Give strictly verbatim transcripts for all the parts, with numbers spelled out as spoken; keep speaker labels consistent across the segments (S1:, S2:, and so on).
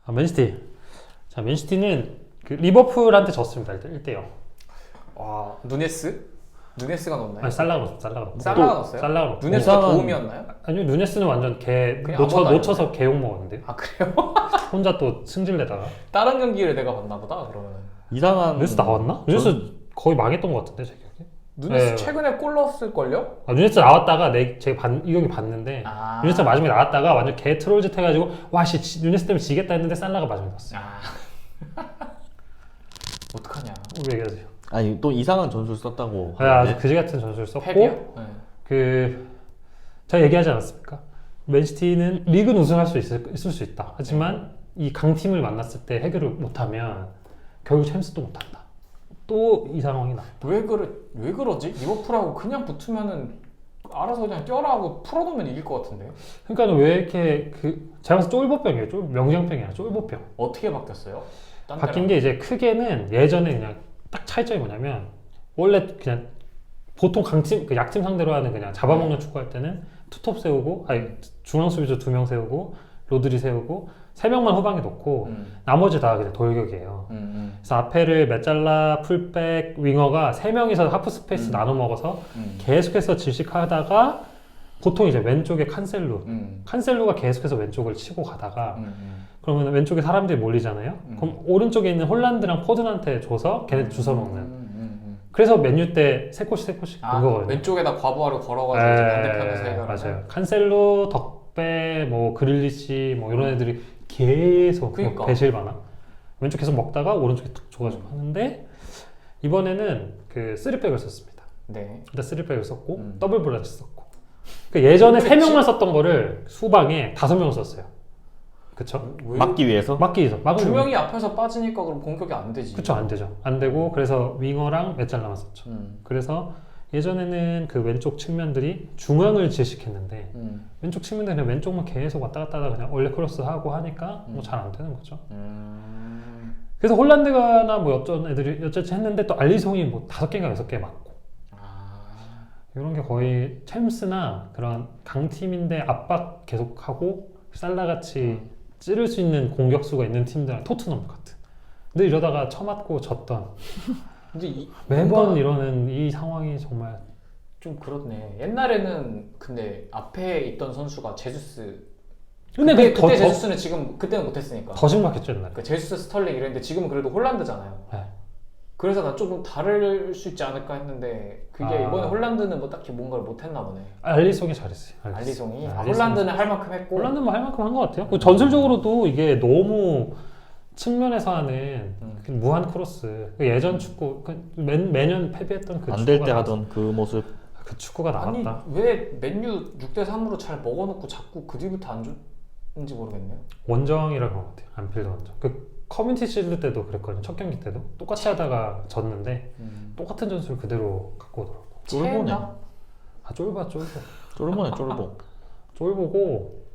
S1: 아, 맨시티. 자, 맨시티는 그 리버풀한테 졌습니다. 일단 일 대 영.
S2: 와, 누네스? 누네스가 넣었나요?
S1: 아니, 살라가 넣었어. 살라가 넣었어.
S2: 살라가 넣었어요?
S1: 살라가 넣었고.
S2: 누네스가
S3: 이상한-
S2: 도움이었나요?
S1: 아니요, 누네스는 완전 개
S2: 그냥
S1: 놓쳐,
S2: 아무것도
S1: 놓쳐서 개욕 먹었는데.
S2: 아 그래요?
S1: 혼자 또 승질내다가.
S2: 다른 경기를 내가 봤나 보다 그러면은.
S3: 이상한
S1: 누네스 나왔나? 누네스 거의 망했던 것 같은데, 제 기억에.
S2: 누네스
S1: 네.
S2: 최근에 골 넣었을걸요?
S1: 아, 누네스 나왔다가 내, 제가 반, 이 경기 봤는데
S2: 아.
S1: 누네스 마지막에 나왔다가 완전 개 트롤짓 해가지고 와씨 누네스 때문에 지겠다 했는데 살라가 마지막에 넣었어.
S2: 아. 어떡하냐.
S1: 왜 얘기하세요?
S3: 아니 또 이상한 전술 썼다고
S1: 아, 아주
S3: 하는데.
S1: 그지 같은 전술을 썼고
S2: 펩이요? 네.
S1: 그 제가 얘기하지 않았습니까? 맨시티는 리그는 우승할 수 있을, 있을 수 있다. 하지만 이 강팀을 만났을 때 해결을 못하면 결국 챔스도 못한다. 또 이 상황이 나.
S2: 왜 그래? 왜 그러지? 리버풀하고 그냥 붙으면은 알아서 그냥 뛰어라 하고 풀어놓으면 이길 것 같은데.
S1: 그러니까 왜 이렇게 그 제가 봐서 쫄보병이에요. 쫄, 명장병이 아니라 쫄보병.
S2: 어떻게 바뀌었어요? 딴
S1: 바뀐
S2: 데랑.
S1: 게 이제 크게는 예전에 그냥 딱 차이점이 뭐냐면 원래 그냥 보통 강팀 그 약팀 상대로 하는 그냥 잡아먹는 축구할 때는 투톱 세우고 아니 중앙 수비수 두 명 세우고 로드리 세우고 세 명만 후방에 놓고
S2: 음.
S1: 나머지 다 그냥 돌격이에요.
S2: 음, 음,
S1: 그래서 앞에를 메잘라, 풀백, 윙어가 세 명이서 하프 스페이스
S2: 음.
S1: 나눠 먹어서
S2: 음.
S1: 계속해서 질식하다가 보통 이제 왼쪽에 칸셀루,
S2: 음.
S1: 칸셀루가 계속해서 왼쪽을 치고 가다가
S2: 음, 음.
S1: 그러면 왼쪽에 사람들이 몰리잖아요.
S2: 음.
S1: 그럼 오른쪽에 있는 홀란드랑 포든한테 줘서 걔네 주워 먹는.
S2: 음, 음, 음.
S1: 그래서 맨유 때 세 골씩 세 골씩
S2: 아,
S1: 넣은 거거든요.
S2: 왼쪽에다 과부하를 걸어가지고 이제 반대편에서 해결하는.
S1: 맞아요. 칸셀루, 덕배, 뭐 그릴리시 뭐 이런 애들이 계속
S2: 그러니까.
S1: 뭐 배실바나 왼쪽 계속 먹다가 오른쪽에 탁 줘가지고 하는데 이번에는 그 쓰리백을 썼습니다.
S2: 네.
S1: 일단 쓰리백을 썼고
S2: 음.
S1: 더블 볼란치 썼고 그 예전에
S2: 근데
S1: 세 명만 썼던 거를 수방에 다섯 명을 썼어요. 그쵸?
S2: 왜?
S3: 막기 위해서.
S1: 막기 위해서 막으면
S2: 두 명이 앞에서 빠지니까 그럼 공격이 안 되지.
S1: 그쵸, 안 되죠. 안 되고 그래서 윙어랑 메잘라만 썼죠.
S2: 음.
S1: 그래서 예전에는 그 왼쪽 측면들이 중앙을 질식했는데
S2: 음.
S1: 왼쪽 측면들은 그냥 왼쪽만 계속 왔다 갔다 하다가 그냥 원래 크로스 하고 하니까 뭐
S2: 음.
S1: 잘 안 되는 거죠.
S2: 음.
S1: 그래서 홀란드가나 뭐 어쩐 애들이 어쩌지 했는데 또 알리송이 뭐 다섯 개인가 여섯 개 맞고
S2: 아.
S1: 이런 게 거의 챔스나 그런 강팀인데 압박 계속하고 살라같이
S2: 음.
S1: 찌를 수 있는 공격수가 있는 팀들 토트넘 같은 근데 이러다가 쳐맞고 졌던
S2: 근데 이,
S1: 매번
S2: 뭔가
S1: 이러는 이 상황이 정말
S2: 좀 그렇네. 옛날에는 근데 앞에 있던 선수가 제수스.
S1: 근데
S2: 그때,
S1: 그 더,
S2: 그때
S1: 더,
S2: 제수스는 지금 그때는 못했으니까.
S1: 더 심각했죠 옛날에.
S2: 그 제수스 스털링 이랬는데 지금은 그래도 홀란드잖아요.
S1: 네.
S2: 그래서 난 조금 다를 수 있지 않을까 했는데 그게
S1: 아.
S2: 이번에 홀란드는 뭐 딱히 뭔가를 못했나 보네.
S1: 알리송이 잘했어요.
S2: 알리송이.
S1: 네,
S2: 아,
S1: 알리송이.
S2: 홀란드는 할 만큼 했고.
S1: 홀란드만 할 만큼 한 것 같아요. 그 전술적으로도 이게 너무 측면에서 하는
S2: 음.
S1: 그 무한 크로스 그 예전 축구 그 매, 매년 패배했던 그
S3: 안 될
S1: 축구가
S3: 때
S1: 나왔-
S3: 하던 그 모습.
S1: 그 축구가
S2: 아니
S1: 나왔다.
S2: 왜 맨유 육 대 삼으로 잘 먹어놓고 자꾸 그 뒤부터 안 줬는지 모르겠네요.
S1: 원정이라 그런 것 같아요. 안필드 원정. 그 커뮤니티 실드 때도 그랬거든요. 첫 경기 때도 똑같이 하다가 졌는데
S2: 음.
S1: 똑같은 전술 그대로 갖고 오더라고.
S3: 쫄보네.
S2: 체나?
S1: 아 쫄봐 쫄보.
S3: 쫄보네 쫄보.
S1: 쫄보고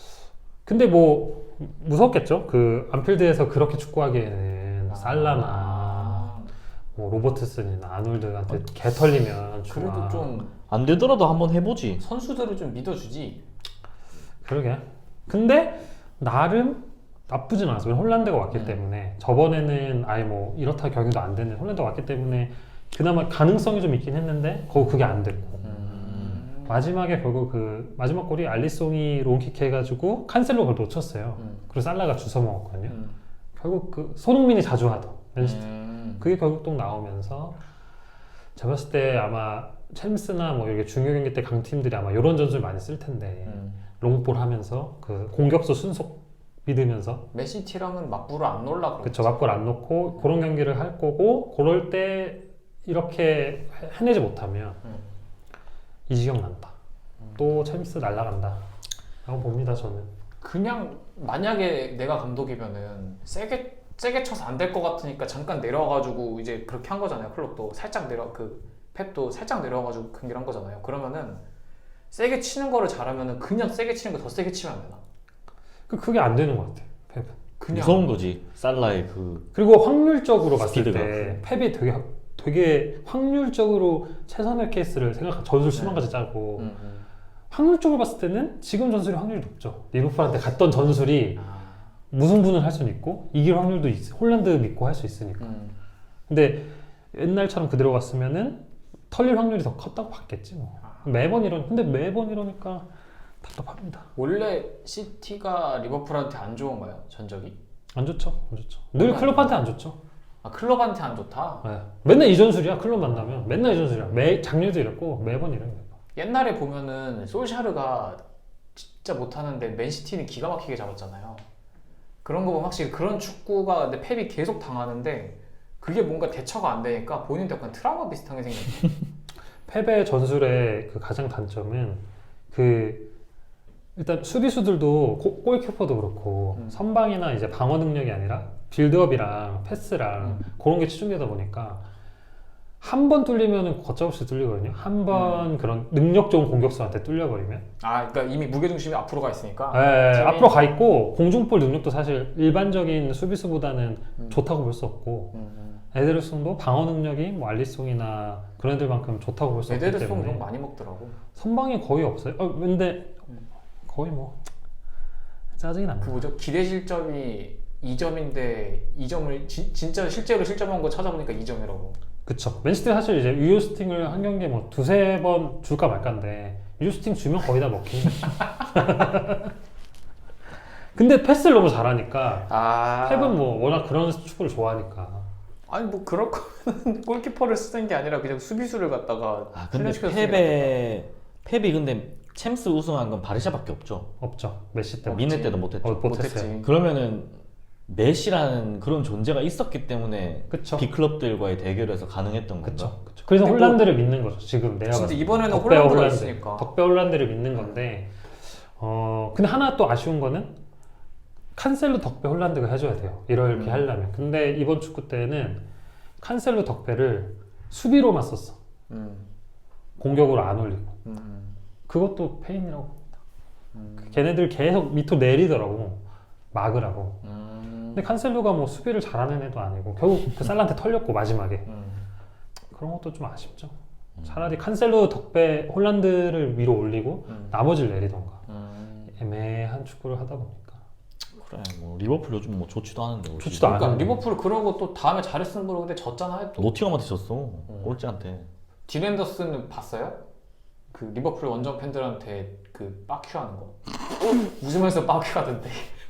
S1: 근데 뭐 무섭겠죠. 그 안필드에서 그렇게 축구하기에는 살라나
S2: 아.
S1: 뭐 로버트슨이나 아놀드한테 개 털리면
S2: 그래도
S1: 좋아.
S2: 좀
S3: 안 되더라도 한번 해보지.
S2: 선수들을 좀 믿어주지.
S1: 그러게. 근데 나름 나쁘진 않았어요. 홀란드가 왔기
S2: 음.
S1: 때문에 저번에는 아예 뭐 이렇다 경기도 안 되는 홀란드가 왔기 때문에 그나마 가능성이 좀 있긴 했는데 거기 그게 안 됐고
S2: 음.
S1: 마지막에 결국 그 마지막 골이 알리송이 롱킥 해가지고 칸셀로 그걸 놓쳤어요.
S2: 음.
S1: 그리고 살라가 주워 먹었거든요.
S2: 음.
S1: 결국 그 손흥민이 자주 하던 맨시티
S2: 음.
S1: 그게 결국 또 나오면서 제가 봤을 때 아마 챔스나 뭐 이렇게 중요 경기 때 강팀들이 아마 이런 전술 많이 쓸 텐데
S2: 음.
S1: 롱볼 하면서 그 공격수 순속 믿으면서
S2: 맨시티랑은 맞불을 안 놀라 그러겠지.
S1: 그쵸 맞골 안 넣고 그런 경기를 할 거고 그럴 때 이렇게 해- 해내지 못하면
S2: 음.
S1: 이 지경 난다.
S2: 음.
S1: 또 챔스 날라간다 라고 봅니다 저는.
S2: 그냥 만약에 내가 감독이면은 세게 세게 쳐서 안 될 것 같으니까 잠깐 내려와가지고 이제 그렇게 한 거잖아요. 클럽도 살짝 내려 그 펩도 살짝 내려와가지고 경기를 한 거잖아요. 그러면은 세게 치는 거를 잘하면은 그냥 세게 치는 거 더 세게 치면 안 되나?
S1: 그 그게 안 되는 것 같아 펩은.
S2: 그냥
S3: 무서운 거지. 살라의 그
S1: 그리고 확률적으로 봤을
S3: 스피드가.
S1: 때 펩이 되게 되게 확률적으로 최선의 케이스를 생각 전술 수만
S2: 네.
S1: 가지 짜고
S2: 음, 음.
S1: 확률적으로 봤을 때는 지금 전술이 확률이 높죠. 리버풀한테 갔던 전술이
S2: 아,
S1: 무승부는 할 수는 있고 이길 확률도 있, 홀란드 믿고 할 수 있으니까.
S2: 음.
S1: 근데 옛날처럼 그대로 갔으면은 털릴 확률이 더 컸다고 봤겠지 뭐. 매번 이런 근데 매번 이러니까 답답합니다.
S2: 원래 시티가 리버풀한테 안 좋은가요? 전적이?
S1: 안 좋죠, 안 좋죠. 늘
S2: 안
S1: 클럽한테 안 좋죠.
S2: 아 클럽한테 안 좋다?
S1: 네. 맨날 이전술이야. 클럽 만나면 맨날 이전술이야. 매 작년도 이랬고 매번 이래요. 매번.
S2: 옛날에 보면은 솔샤르가 진짜 못하는데 맨시티는 기가 막히게 잡았잖아요. 그런 거 보면 확실히 그런 축구가 근데 펩이 계속 당하는데 그게 뭔가 대처가 안 되니까 본인도 약간 트라우마 비슷한 게 생겼어요.
S1: 펩의 전술의 그 가장 단점은 그 일단 수비수들도 고- 골키퍼도 그렇고
S2: 음.
S1: 선방이나 이제 방어 능력이 아니라 빌드업이랑 패스랑
S2: 음.
S1: 그런 게 치중되다 보니까 한 번 뚫리면은 걷잡없이 뚫리거든요. 한 번
S2: 음.
S1: 그런 능력 좋은 공격수한테 뚫려버리면
S2: 아 그러니까 이미 무게중심이 앞으로 가 있으니까
S1: 예,
S2: 팀이-
S1: 앞으로 가 있고 공중볼 능력도 사실 일반적인 수비수보다는
S2: 음.
S1: 좋다고 볼 수 없고
S2: 음, 음.
S1: 에데르송도 방어 능력이 뭐 알리송이나 그런 애들만큼 좋다고 볼 수 없기
S2: 에데르송
S1: 때문에
S2: 욕 많이 먹더라고.
S1: 선방이 거의 없어요. 어, 근데
S2: 음.
S1: 거의 뭐 짜증이 납니다.
S2: 그 뭐죠? 기대 실점이 이 점인데 이 점을 지, 진짜 실제로 실점한 거 찾아보니까 이 점이라고.
S1: 그쵸. 맨시티 사실 이제 유효스팅을 한 경기에 뭐 두세 번 줄까 말까인데 유효스팅 주면 거의 다 먹히는 거죠. 근데 패스를 너무 잘하니까
S2: 아.
S1: 펩은 뭐 워낙 그런 축구를 좋아하니까
S2: 아니 뭐 그럴 거면 골키퍼를 쓰는 게 아니라 그냥 수비수를 갖다가
S3: 아 근데
S2: 훈련시켜서 쓰는 게
S3: 펩의 펩이 근데 챔스 우승한 건 바르샤밖에 없죠.
S1: 없죠. 메시 때문에.
S3: 미네 때도 못했죠.
S1: 어,
S2: 낫다.
S1: 못했어요.
S2: 못했지.
S3: 그러면은 메시라는 그런 존재가 있었기 때문에
S1: 그쵸.
S3: 빅클럽들과의 대결에서 가능했던 건가?
S1: 그쵸. 그쵸. 그래서
S2: 근데 뭐-
S1: 홀란드를 믿는 거죠. 지금 내가
S2: 진짜
S1: 봤을 때.
S2: 이번에는
S1: 덕배와
S2: 홀란드가
S1: 홀란드.
S2: 있으니까.
S1: 덕배 홀란드를 믿는 건데 어 근데 하나 또 아쉬운 거는 칸셀로 덕배 홀란드가 해줘야 돼요. 이렇게
S2: 음.
S1: 하려면. 근데 이번 축구 때는 칸셀로 덕배를 수비로만 썼어.
S2: 음.
S1: 공격으로 안 올리고.
S2: 음.
S1: 그것도 페인이라고 봅니다.
S2: 음.
S1: 걔네들 계속 밑으로 내리더라고. 막으라고.
S2: 음.
S1: 근데 칸셀로가 뭐 수비를 잘하는 애도 아니고 결국 그 살란테 털렸고 마지막에.
S2: 음.
S1: 그런 것도 좀 아쉽죠. 차라리 칸셀로 덕배 홀란드를 위로 올리고
S2: 음.
S1: 나머지를 내리던가.
S2: 음.
S1: 애매한 축구를 하다 보니까.
S3: 그래 뭐 리버풀 요즘 뭐 좋지도 않은데 올
S1: 좋지도
S3: 시즌.
S1: 않아.
S2: 그러니까 리버풀 그러고 또 다음에 잘했으면 모르는데 졌잖아요 또.
S3: 노팅엄한테 졌어. 꼴찌한테.
S2: 딘 앤더슨 봤어요? 그 리버풀 원정 팬들한테 그 빠큐 하는 거. 웃으면서 빠큐 하던데.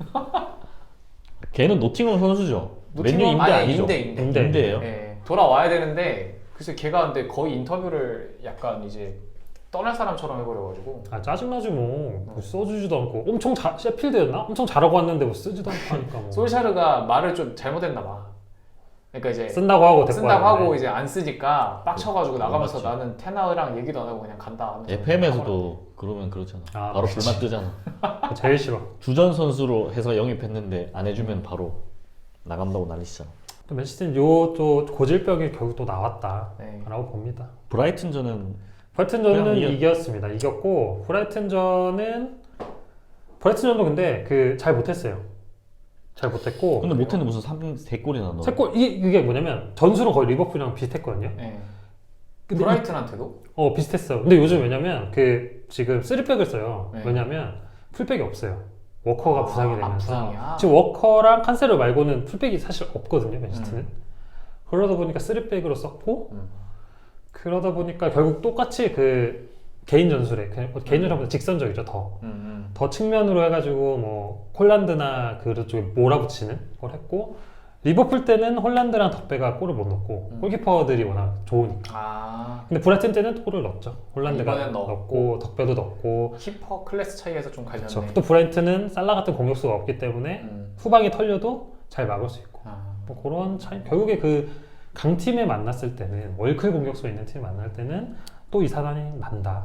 S3: 걔는 노팅엄 선수죠. 맨유
S2: 노팅엄-
S3: 임대
S2: 아니,
S3: 아니죠?
S2: 임대, 임대.
S1: 임대.
S3: 임대예요.
S2: 네, 돌아와야 되는데 그래서 걔가 근데 거의 인터뷰를 약간 이제 떠날 사람처럼 해버려가지고.
S1: 아 짜증나지 뭐. 뭐 써주지도 않고 엄청 잘 셰필드였나? 엄청 잘하고 왔는데 뭐 쓰지도 않고 하니까 뭐.
S2: 솔샤르가 말을 좀 잘못했나 봐. 그러니까 이제
S1: 쓴다고 하고 데리고
S2: 쓴다고
S1: 왔는데.
S2: 하고 이제 안 쓰니까 빡쳐가지고
S3: 네,
S2: 나가면서
S3: 맞지.
S2: 나는 테나우랑 얘기도 안 하고 그냥 간다 하면서
S3: 에프엠에서도 그러면 그렇잖아.
S1: 아,
S3: 바로
S1: 그치.
S3: 불만 뜨잖아.
S1: 그거 제일 싫어.
S3: 주전 선수로 해서 영입했는데 안 해주면 바로 나간다고 난리치잖아.
S1: 또 맨시티는 요또 고질병이 결국 또 나왔다라고
S2: 네.
S1: 봅니다.
S3: 브라이튼전은
S1: 브라이튼전은
S3: 그냥 이겼-
S1: 이겼습니다. 이겼고 브라이튼전은 브라이튼전도 근데 그 잘 못했어요. 잘 못했고
S3: 근데 못했는데 무슨 삼, 세 골이나 넣어.
S1: 세 골 이게, 이게 뭐냐면 전술은 거의 리버풀이랑 비슷했거든요.
S2: 네.
S1: 근데
S2: 브라이튼한테도?
S1: 어 비슷했어요. 근데 요즘 왜냐면 그 지금 쓰리백을 써요.
S2: 네.
S1: 왜냐면 풀백이 없어요. 워커가
S2: 아,
S1: 부상이
S2: 아,
S1: 되면서
S2: 부상이야?
S1: 지금 워커랑 칸세로 말고는 풀백이 사실 없거든요. 맨시티는.
S2: 음.
S1: 그러다 보니까 쓰리백으로 썼고
S2: 음.
S1: 그러다 보니까 결국 똑같이 그 개인 전술에 그냥 개인 전술보다 직선적이죠. 더.
S2: 음,
S1: 더 측면으로 해가지고 뭐 홀란드나 그쪽에 몰아붙이는 걸 했고 리버풀 때는 홀란드랑 덕배가 골을 못 넣고
S2: 음.
S1: 골키퍼들이 워낙 좋으니까.
S2: 아
S1: 근데 브라이튼 때는 골을 넣었죠. 홀란드가
S2: 이번엔
S1: 넣었고,
S2: 넣었고.
S1: 덕배도 넣었고.
S2: 키퍼 클래스 차이에서 좀 갈렸네.
S1: 그쵸. 또 브라이튼은 살라 같은 공격수가 없기 때문에
S2: 음.
S1: 후방이 털려도 잘 막을 수 있고.
S2: 아.
S1: 뭐 그런 차이. 결국에 그 강팀에 만났을 때는 월클 공격수 있는 팀 만날 때는 또 이 사단이 난다.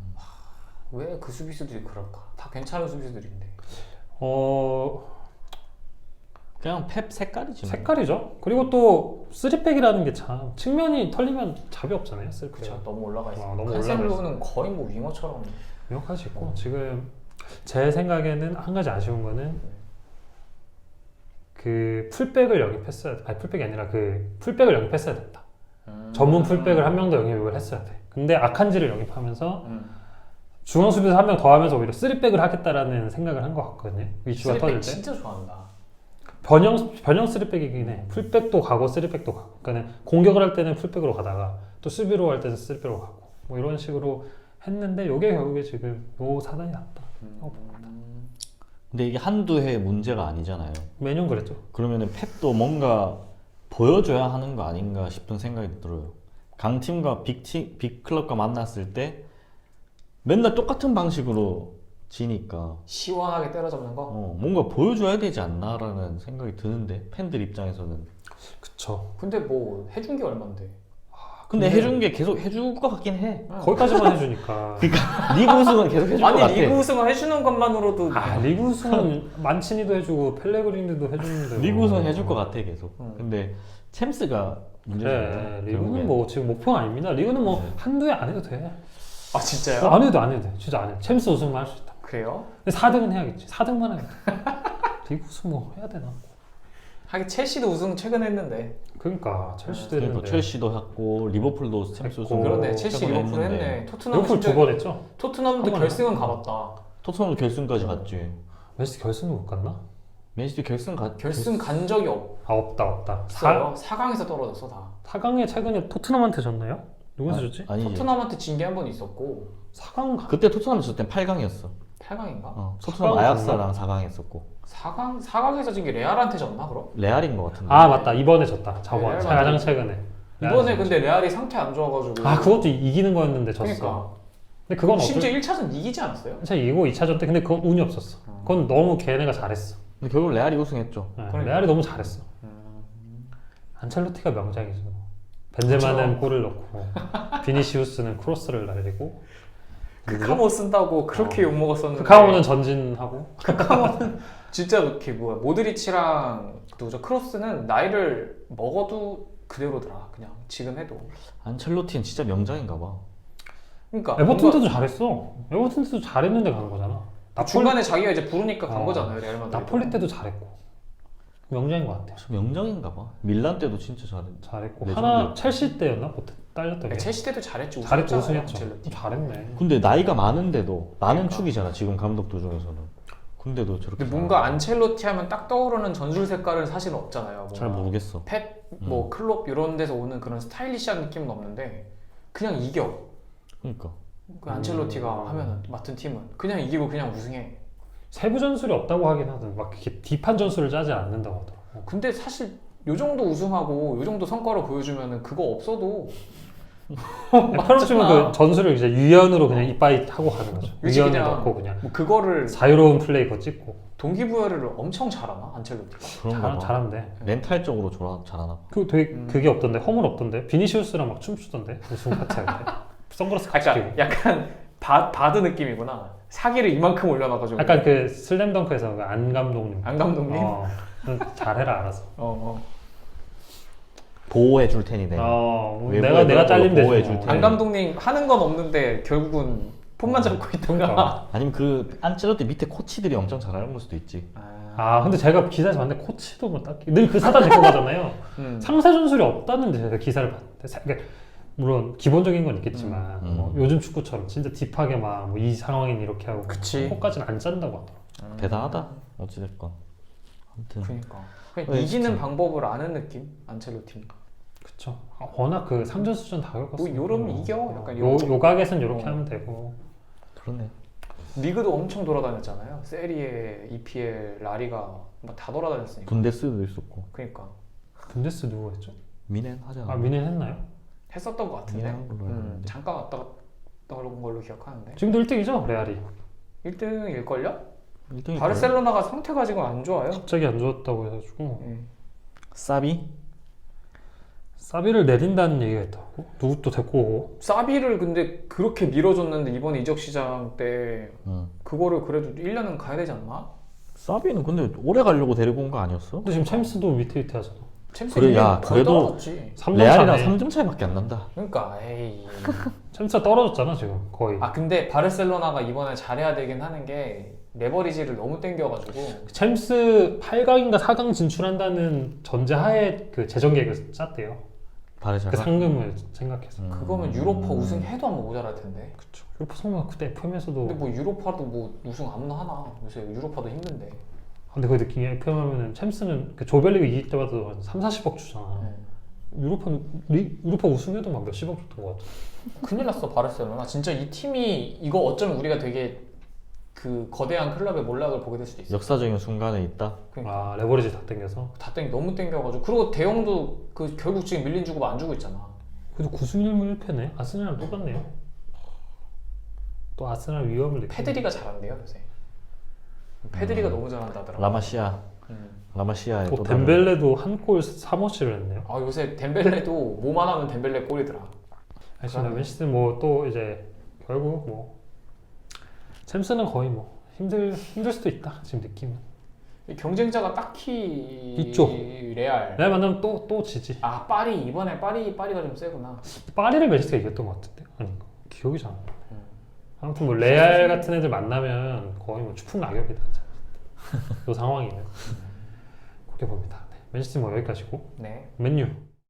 S2: 왜 그 수비수들이 그럴까? 다 괜찮은 수비수들인데.
S1: 어
S3: 그냥 펩 색깔이지. 뭐.
S1: 색깔이죠. 그리고 또 쓰리백이라는 게 참 측면이 털리면 잡이 없잖아요. 쓰리백.
S2: 그렇죠. 너무 올라가 있어.
S1: 아, 너무
S2: 칸셀로는 거의 뭐 윙어처럼.
S1: 명확할 수 있고 지금 제 생각에는 한 가지 아쉬운 거는 그 풀백을 영입했어야 돼. 아니 풀백이 아니라 그 풀백을 영입했어야 됐다.
S2: 음.
S1: 전문 풀백을 한 명 더 영입을 했어야 돼. 근데 아칸지를 영입하면서
S2: 음.
S1: 중앙 수비수 한 명 더 하면서 오히려 쓰리백을 하겠다라는 생각을 한 것 같거든요. 이슈가 터질
S2: 쓰리백
S1: 때.
S2: 진짜 좋아한다.
S1: 변형 변형 쓰리백이긴 해. 풀백도 가고 쓰리백도 가고. 그러니까 공격을 할 때는 풀백으로 가다가 또 수비로 할 때는 쓰리백으로 가고. 뭐 이런 식으로 했는데 이게 결국에 지금 요 사단이 났다.
S2: 음.
S3: 근데 이게 한두 해 문제가 아니잖아요.
S1: 매년 그랬죠.
S3: 그러면은 펩도 뭔가 보여줘야 하는 거 아닌가 싶은 생각이 들어요. 강팀과 빅팀, 빅클럽과 만났을 때 맨날 똑같은 방식으로 지니까
S2: 시원하게 때려잡는 거?
S3: 어, 뭔가 보여줘야 되지 않나라는 생각이 드는데 팬들 입장에서는.
S1: 그쵸.
S2: 근데 뭐 해준 게 얼만데?
S3: 근데,
S1: 근데-
S3: 해준 게 계속 해줄 것 같긴 해.
S1: 거기까지만 해주니까.
S3: 그러니까 리그 우승은 계속 해줄 것 같아.
S2: 아니 리그 우승을 해주는 것만으로도
S1: 아 리그 우승은 만치니도 해주고 펠레그리니도 해주는데.
S3: 리그
S1: 뭐.
S3: 우승은 해줄 것 같아 계속.
S2: 음.
S3: 근데 챔스가 문제잖아요.
S1: 네, 리그는
S3: 결국엔.
S1: 뭐 지금 목표가 아닙니다. 리그는 뭐
S3: 네.
S1: 한두 해 안 해도 돼.
S2: 아 진짜요?
S1: 안 해도 안 해도 돼. 진짜 안 해. 챔스 우승만 할 수 있다.
S2: 그래요?
S1: 근데 사 등은 해야겠지. 사 등만 해야겠다. 리그 우승 뭐 해야 되나?
S2: 하긴 첼시도 우승 최근 했는데.
S1: 그러니까 첼시도
S3: 그러니까
S1: 했는데.
S3: 첼시도 했고 리버풀도 챔스 우승.
S1: 했고.
S2: 그러네 첼시
S3: 최근에
S2: 리버풀
S3: 했는데.
S2: 했네. 토트넘
S1: 리버풀 두 번 했죠.
S2: 토트넘도
S1: 한
S2: 결승은 가봤다.
S3: 토트넘도 결승까지 갔지.
S1: 맨시티 결승도 못 갔나?
S3: 맨시티 결승 가.
S2: 결승 간 적이 없어요.
S1: 아 없다 없다. 사,
S2: 사 강에서 떨어졌어 다.
S1: 사 강에 최근에 토트넘한테 졌나요? 누구한테 졌지?
S3: 아니지.
S2: 토트넘한테 진 게 한 번 있었고
S1: 사 강 가...
S3: 그때 토트넘 졌을 땐 팔 강이었어.
S2: 팔 강인가?
S3: 어,
S1: 사
S3: 토트넘
S1: 강
S3: 아약스랑 사 강 했었고.
S2: 사 강 사 강에서 진 게 레알한테 졌나 그럼?
S3: 레알인 것 같은데.
S1: 아 맞다 이번에 졌다. 저번
S2: 네,
S1: 가장
S2: 맞아요.
S1: 최근에.
S2: 이번에 근데 레알이 상태 안 좋아가지고.
S1: 아 그것도 이기는 거였는데 졌어.
S2: 그러니까.
S1: 근데 그건 어쩔
S2: 심지어 일 차전 이기지 않았어요?
S1: 차 이기고 이 차전 때 근데 그건 운이 없었어. 그건 너무 걔네가 잘했어.
S3: 근데 결국 레알이 우승했죠.
S1: 네,
S2: 그러니까.
S1: 레알이 너무 잘했어.
S2: 음.
S1: 안첼로티가 명장이죠. 벤제마는
S2: 그쵸.
S1: 골을 넣고 비니시우스는 크로스를 날리고
S2: 크카모 쓴다고 그렇게
S1: 어.
S2: 욕 먹었었는데.
S1: 크카오는 전진하고
S2: 진짜 이렇게 뭐야 모드리치랑 누구죠 크로스는 나이를 먹어도 그대로더라 그냥 지금 해도.
S3: 안첼로티는 진짜 명장인가 봐.
S2: 그러니까
S1: 에버튼
S2: 뭔가
S1: 때도 잘했어. 에버튼 때도 잘했는데 간 거잖아. 나폴리,
S2: 중간에 자기가 이제 부르니까 간
S1: 어.
S2: 거잖아요 레알 마드리드.
S1: 나폴리 때도 잘했고 명장인 것 같아.
S3: 저 명장인가 봐. 밀란 때도 진짜 잘했.
S1: 잘했고
S3: 레전드.
S1: 하나 첼시 때였나? 뭐 딸렸던 게.
S2: 그러니까 첼시 때도 잘했지.
S1: 잘했고
S2: 우승했잖아요,
S1: 우승했죠.
S2: 안첼로티.
S1: 잘했네.
S3: 근데 나이가 많은데도 많은
S2: 그러니까.
S3: 축이잖아 지금 감독들 중에서는. 근데도 저렇게
S2: 근데 뭔가 안첼로티 하면 딱 떠오르는 전술 색깔은 사실 없잖아요. 뭔가
S3: 잘 모르겠어.
S2: 펩, 뭐
S3: 음.
S2: 클롭 이런 데서 오는 그런 스타일리시한 느낌은 없는데 그냥 이겨.
S3: 그러니까
S2: 그 안첼로티가
S1: 음.
S2: 하면 맡은 팀은 그냥 이기고 그냥 우승해.
S1: 세부 전술이 없다고 하긴 하든 막 이렇게 딥한 전술을 짜지 않는다고 하더라고.
S2: 근데 사실 요 정도 우승하고 요 정도 성과를 보여주면은 그거 없어도
S1: 페널티면 그 전술을 이제 유연으로 그냥 이빠이 하고 가는 거죠.
S2: 그치,
S1: 유연을
S2: 그냥
S1: 넣고 그냥
S2: 뭐 그거를
S1: 자유로운 플레이 거 찍고
S2: 동기부여를 엄청 잘하나 안첼로티가.
S3: 그런가
S1: 잘,
S3: 봐.
S1: 잘한대.
S3: 멘탈적으로 좋아, 잘하나 봐.
S1: 그 되게
S2: 음.
S1: 그게 없던데 허물 없던데 비니시우스랑 막 춤추던데 우승 파티 할 때. 선글라스 같이 끼고.
S2: 약간 약간 바, 바드 느낌이구나. 사기를 이만큼 올려놔가지고.
S1: 약간 그 슬램덩크에서 그 안 감독님.
S2: 안 감독님.
S1: 어, 잘해라 알아서.
S2: 어, 어.
S3: 보호해 줄 테니 내가.
S1: 어, 뭐
S3: 외부에
S1: 내가 내가
S3: 그런 걸로
S1: 잘린대.
S3: 보호해 줄
S1: 뭐.
S3: 테니.
S2: 안 감독님 하는 건 없는데 결국은 폰만 잡고 있던가.
S1: 그러니까.
S3: 아니면 그 안첼로티 밑에 코치들이 엄청 잘하는 걸 수도 있지.
S1: 아 근데 제가 기사에서 봤는데 코치도 뭐 딱히 늘 그 사단 데리고 가잖아요.
S2: 음.
S1: 상세 전술이 없다는데 제가 기사를 봤는데 사- 그러니까 물론 기본적인 건 있겠지만
S3: 음.
S1: 뭐 요즘 축구처럼 진짜 딥하게 막 뭐 이 상황엔 이렇게 하고
S2: 그치.
S1: 그거까지는 안 짠다고 하더라고.
S2: 음.
S3: 대단하다. 어찌됐건. 아무튼
S2: 그러니까. 그냥
S3: 네,
S2: 이기는
S3: 진짜.
S2: 방법을 아는 느낌 안첼로티.
S1: 그쵸. 아, 워낙 그 삼전수전 다
S2: 뭐
S1: 겪었으니까.
S2: 요러면 이겨. 약간
S1: 요
S2: 이런.
S1: 요각에선 이렇게
S2: 어.
S1: 하면 되고.
S3: 그러네.
S2: 리그도 엄청 돌아다녔잖아요. 세리에, 이피엘, 라리가 막 다 돌아다녔으니까.
S3: 분데스도 있었고.
S2: 그러니까
S1: 분데스 누구 했죠?
S3: 미넨 하잖아.
S1: 아 미넨 했나요?
S2: 했었던 것 같은데.
S3: 미넨 한 걸로 알고
S2: 음,
S3: 있는데.
S2: 잠깐 왔다 갔다 온 걸로 기억하는데.
S1: 지금도 일 등이죠 레알이.
S2: 일 등일걸요?
S3: 일 등이
S2: 바르셀로나가 상태가 지금 안 좋아요.
S1: 갑자기 안 좋았다고 해가지고
S2: 예.
S3: 사비?
S1: 사비를 내린다는 얘기가 있다고. 누구 또 데리고 오고.
S2: 사비를 근데 그렇게 밀어줬는데 이번 이적 시장 때
S3: 응.
S2: 그거를 그래도 일 년은 가야 되지 않나?
S3: 사비는 근데 오래 가려고 데리고 온 거 아니었어?
S1: 근데 지금 챔스도 위태위태하잖아.
S2: 챔스
S3: 그래,
S2: 일 년
S3: 야,
S2: 거의
S3: 그래도-
S2: 떨어졌지.
S1: 삼 점
S3: 레알이랑
S1: 차네.
S3: 삼 점 차이밖에 안 난다.
S2: 그러니까 에이.
S1: 챔스가 떨어졌잖아 지금 거의.
S2: 아 근데 바르셀로나가 이번에 잘해야 되긴 하는 게 레버리지를 너무 땡겨가지고
S1: 챔스 팔 강인가 사 강 진출한다는 전제하에 그 재정 계획을 짰대요.
S3: 바르샤가.
S1: 그 상금을 생각해서.
S3: 음.
S2: 그거면 유로파 우승해도 아마 모자랄 텐데.
S1: 그쵸. 유로파 성공 그때 에프엠에서도
S2: 근데 뭐 유로파도 뭐 우승 아무나 하나. 요새 유로파도 힘든데.
S1: 근데 그 느낌이 에프엠 하면은 챔스는 그 조별리그 이길 때마다 한 삼, 사십억 주잖아.
S2: 네.
S1: 유로파 리, 유로파 우승해도 막 몇십억 줬던 것 같아.
S2: 큰일 났어 바르셀로나. 진짜 이 팀이 이거 어쩌면 우리가 되게 그 거대한 클럽의 몰락을 보게 될 수도 있어.
S3: 역사적인 순간에 있다.
S2: 그러니까
S1: 아 레버리지 다 땡겨서.
S2: 다 땡, 너무 땡겨가지고 그리고 대형도 그 결국 지금 밀린 주고 안 주고 있잖아.
S1: 그래도 구 승 일 무 일 패네. 아스날이랑 똑같네요. 또 아스날 위험을 느끼.
S2: 페드리가 잘한대요 요새. 페드리가 너무 잘한다더라고.
S3: 라마시아,
S2: 음.
S3: 라마시아의
S1: 또
S3: 또 다른
S1: 덴벨레도 한 골 삼 어시를 했네요.
S2: 아 요새 덴벨레도 뭐만 하면 덴벨레 골이더라.
S1: 알겠습니다. 맨시티 뭐또 이제 결국 뭐 챔스는 거의 뭐 힘들 힘들 수도 있다 지금 느낌은.
S2: 경쟁자가 딱히
S1: 있죠.
S2: 레알.
S1: 내가 만나면 또 또 지지.
S2: 아 파리 이번에 파리 파리가 좀 세구나.
S1: 파리를 맨시티가 이겼던 것 같은데 아닌가? 기억이 잘 안 나.
S2: 음.
S1: 아무튼 뭐 레알 같은 애들 만나면 거의 뭐 추풍 낙엽이다. 이 상황이면 그렇게 봅니다. 네. 맨시티 뭐 여기까지고
S2: 네.
S1: 맨유.